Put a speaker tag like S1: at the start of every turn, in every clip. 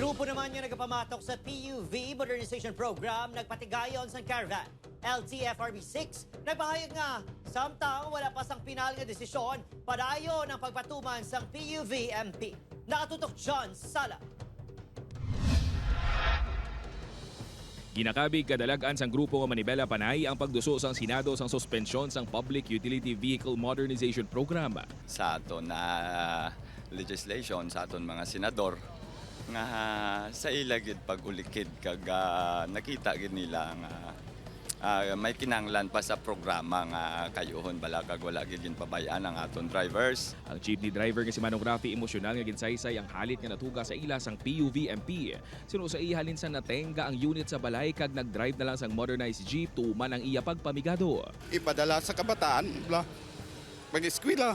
S1: Grupo naman yung nagpamatok sa PUV Modernization Program nagpatigayon sa caravan. LTFRB 6 nagpahayag nga samtang wala pa sang pinal nga desisyon padayo ng pagpatuman sang PUV-MP. Nakatutok John Sala.
S2: Ginakabig kadalagan sang grupo nga Manibela Panay ang pagduso sang Senado sang suspensyon sang Public Utility Vehicle Modernization Program.
S3: Sa aton na legislation sa aton mga senador nga sa ilagid pagulikid kag nakita gid nila nga may kinahanglan pa sa programa nga kayuhon bala kag wala gid pabayaan ang aton drivers.
S2: Ang jeepney driver nga si Manong Rafi emosyonal nga ginsaysay ang halit nga natuga sa ila sang PUV-MP. Sino sa ihalin sa natenga ang unit sa balay kag nag-drive na lang sang modernized jeep tuman ang iya pagpamigado.
S4: Ipadala sa kabataan, mag-eskwela.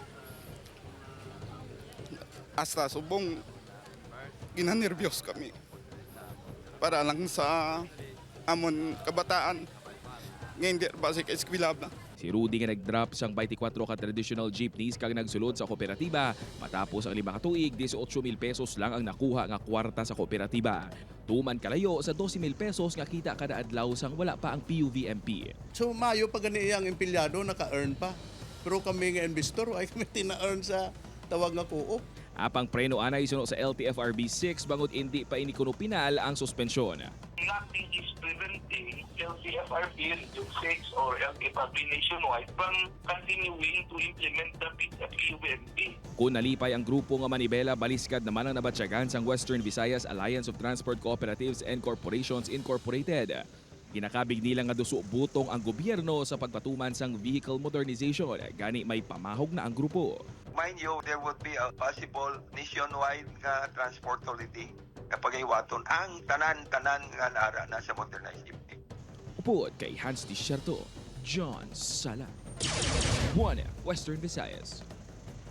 S4: Hasta subong ginanervyos kami para lang sa amon kabataan nga hindi basic eskwela.
S2: Si Rudy nga nag-drop sang 24 ka traditional jeepneys kag nagsulod sa kooperatiba matapos ang 5 ka tuig 18,000 pesos lang ang nakuha nga kwarta sa kooperatiba. Tuman kalayo sa 12,000 pesos nga kita kada adlaw sang wala pa ang PUV-MP.
S5: So mayo pa gani iyang empleyado naka-earn pa. Pero kami nga investor ay kami tina-earn sa tawag nga co-op.
S2: Apang preno anay suno sa LTFRB 6 bangod hindi pa inikuno pinal ang suspensyon.
S6: Nothing is preventing LTFRB Region 6 or LTFRB nationwide from continuing to implement the PUV-MP.
S2: Kung nalipay ang grupo nga Manibela, baliskad naman ang nabatsyagan sang Western Visayas Alliance of Transport Cooperatives and Corporations Incorporated. Ginakabig nila nga duso butong ang gobyerno sa pagpatuman sang vehicle modernization. Gani may pamahog na ang grupo.
S7: Mind you, there would be a possible nationwide transport authority kapag iwaton ang tanan-tanan nga nara na sa modernized jeepney.
S2: Upod kay Hans Desierto, John Sala. 1 Western Visayas.